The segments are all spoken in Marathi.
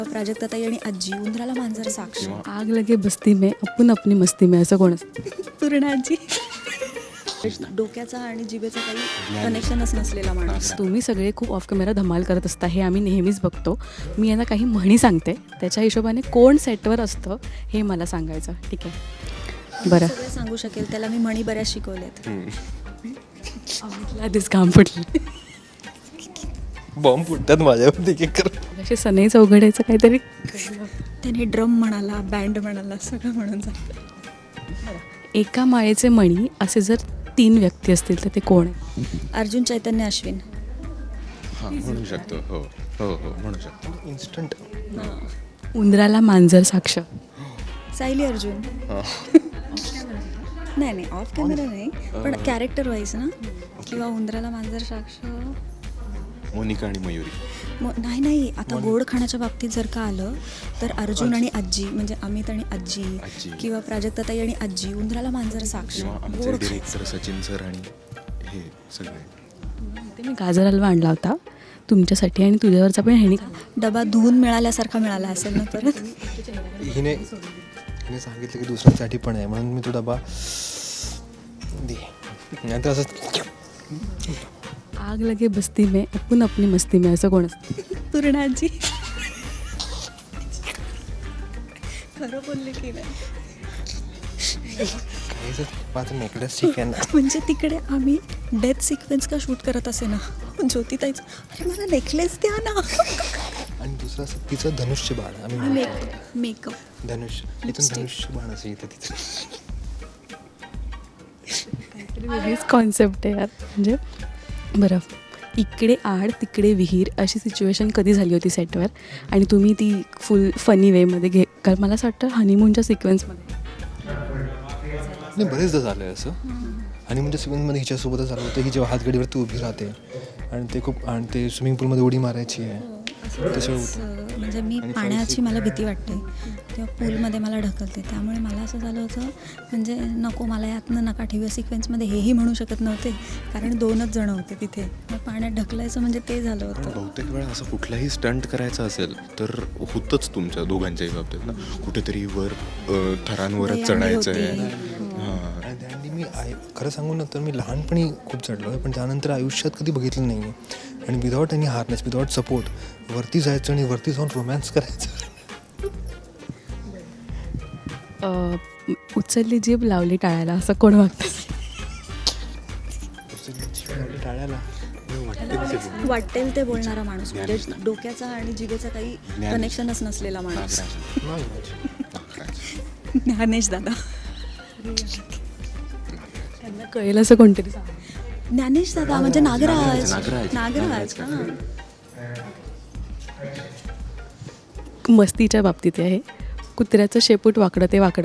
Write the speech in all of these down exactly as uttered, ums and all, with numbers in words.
प्राजक्ताताई आणि आजी, उंदराला मांजर साक्ष, आग लगे बस्ती में आपण अपनी मस्ती में, असं कोण असतं? पूर्णाजी, डोक्याचा आणि जिभेचा काही कनेक्शनच नसलेला माणूस. तुम्ही सगळे खूप ऑफ कॅमेरा धमाल करत असता, हे आम्ही नेहमीच बघतो. मी यांना काही म्हणी सांगते, त्याच्या हिशोबाने कोण सेटवर असतं हे मला सांगायचं. ठीक आहे, बरं. सगळं सांगू शकेल त्याला. मी म्हणी बऱ्याच शिकवल्यात. अमितला आधीच काम पडली. बॉम्ब फुटतात माझ्यावरती की कर. असे सनई चौघड्याचं काहीतरी. त्याने ड्रम म्हणाला, बँड म्हणाला, सगळं म्हणून जातं. एका माळेचे मणी असे जर तीन व्यक्ती असतील तर ते कोण आहे? अर्जुन, चैतन्य, अश्विन. हां म्हणू शकतो. हो हो हो म्हणू शकतो. इन्स्टंट. उंदराला मांजर साक्ष. सायली अर्जुन. नाही नाही ऑफ कॅमेरा नाही, पण कॅरेक्टर वाईज ना. किंवा उंदराला मांजर साक्ष. मोनिका आणि मयुरी. मग नाही नाही आता गोड खाण्याच्या बाबतीत जर का आलं तर अर्जुन आणि आजी, म्हणजे अमित आणि आजी, आजी. किंवा प्राजक्ताताई आणि आजी, उंदराला मांजर साक्ष. किंवा आमचे गोड डिरेक्टर सचिन सर आणि हे सगळे. ते मी गाजर हलवा आणला होता तुमच्यासाठी आणि तुझ्यावरचा पण ह्यानी डबा धुवून मिळाल्यासारखा मिळाला असेल ना परत. हिने हिने सांगितलं की दुसऱ्यांसाठी पण आहे, म्हणून मी तो डबा दे. नाही तर असं आग लगे बस्ती में आपण अपनी मस्ती में, असं कोण असतं? पूर्णाजी. खरं बोलले की नाही. काही जर माझं नेकलेस ठीक आहे ना. म्हणजे तिकडे आम्ही डेथ सिक्वेन्स का शूट करत असे ना, ज्योतिताईचं अरे मला नेकलेस द्या ना. आणि दुसरं असं तिचं धनुष्य बाण. आम्ही मेकअप मेकअप धनुष्य इथून धनुष्य बाण असं इथं तिथं. काहीतरी वेगळीच कॉन्सेप्ट आहे यार. म्हणजे बरं, इकडे आड तिकडे विहीर अशी सिच्युएशन कधी झाली होती सेटवर आणि तुम्ही ती फुल फनी वेमध्ये घे? कारण मला असं वाटतं हनीमूनच्या सिक्वेन्समध्ये नाही बरेचदा झालं आहे असं. आणि म्हणजे स्विमिंगमध्ये हिच्यासोबतच झालं होतं. ही जेव्हा हातगडीवरती उभी राहते आणि ते खूप आणि ते स्विमिंग पूलमध्ये उडी मारायची आहे. असं म्हणजे मी पाण्याची मला भीती वाटते तेव्हा पूलमध्ये मला ढकलते, त्यामुळे मला असं झालं होतं म्हणजे नको मला यातनं नका ठेवूया सिक्वेन्समध्ये, हेही म्हणू शकत नव्हते कारण दोनच जण होते तिथे. मग पाण्यात ढकलायचं म्हणजे ते झालं होतं. बहुतेक वेळा असं कुठलाही स्टंट करायचा असेल तर होतंच तुमच्या दोघांच्याही बाबतीत ना, कुठेतरी वर अ, थरांवरच चढायचं आहे. हां आणि त्यांनी मी आय खरं सांगू ना तर मी लहानपणी खूप चढलो आहे, पण त्यानंतर आयुष्यात कधी बघितलं नाही आहे. आणि without any harness, without support वरती जायचं आणि वरती जाऊन रोमॅन्स करायचं. अं, उचलली जीभ लावली टाळायला, असं कोण वागतं? टाळ्याला वाटेल ते बोलणारा माणूस, म्हणजे डोक्याचा आणि जिभेचा काही कनेक्शनच नसलेला माणूस. ज्ञानेश दादा. त्यांना कळेल असं कोणतरी सांग. ज्ञानेश दादा म्हणजे नागराज. नागराज. नागराज हां. मस्तीच्या बाबतीत आहे. कुत्र्याचं शेपूट वाकडं ते वाकडं.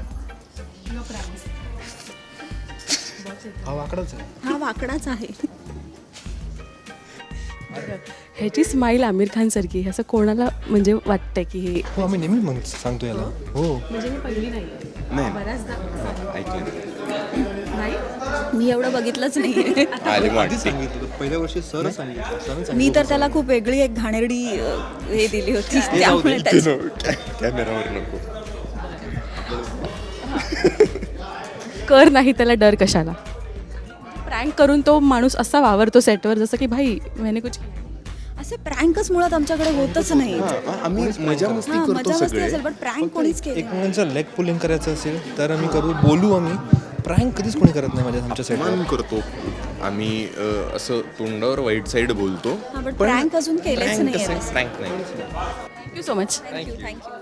हा वाकडाच आहे. हा वाकडाच आहे. ह्याची स्माईल आमिर खान सारखी, असं कोणाला म्हणजे वाटतंय की हे? हो आम्ही नेहमी म्हणतो सांगतो याला. हो म्हणजे मी पहिली नाही नाही बऱ्याचदा ऐकलं नाही. मी एवढं बघितलंच नाही. आली वाटते. सांगितलं पहिल्या वर्षी सर सांगितलं. मी तर त्याला खूप वेगळी एक घाणेरडी अ, हे दिली होती, त्यामुळे त्याची- कॅमेरावर नको. कर नाही त्याला डर कशाला? प्रँक करून तो माणूस असा वावरतो सेटवर जसं की भाई मैंने कुछ. असे प्रँकच मुळात आमच्याकडे होतच नाही. हां, आम्ही मजा मस्ती हां, करतो मजा मस्ती सगळे. असेल पण प्रँक कोणीच केलं नाही. एकमेकांचं लेग पुलिंग करायचं असेल तर आम्ही करू, बोलू. आम्ही प्रँक कधीच कोणी करत नाही माझ्या आमच्या सेटवर. मान करतो आम्ही. अ, असं तोंडावर वाईट साईड बोलतो. हां, पण prank अजून केलेच prank नाहीये कसं- असं. prank नाही. Thank you so much. Thank you thank you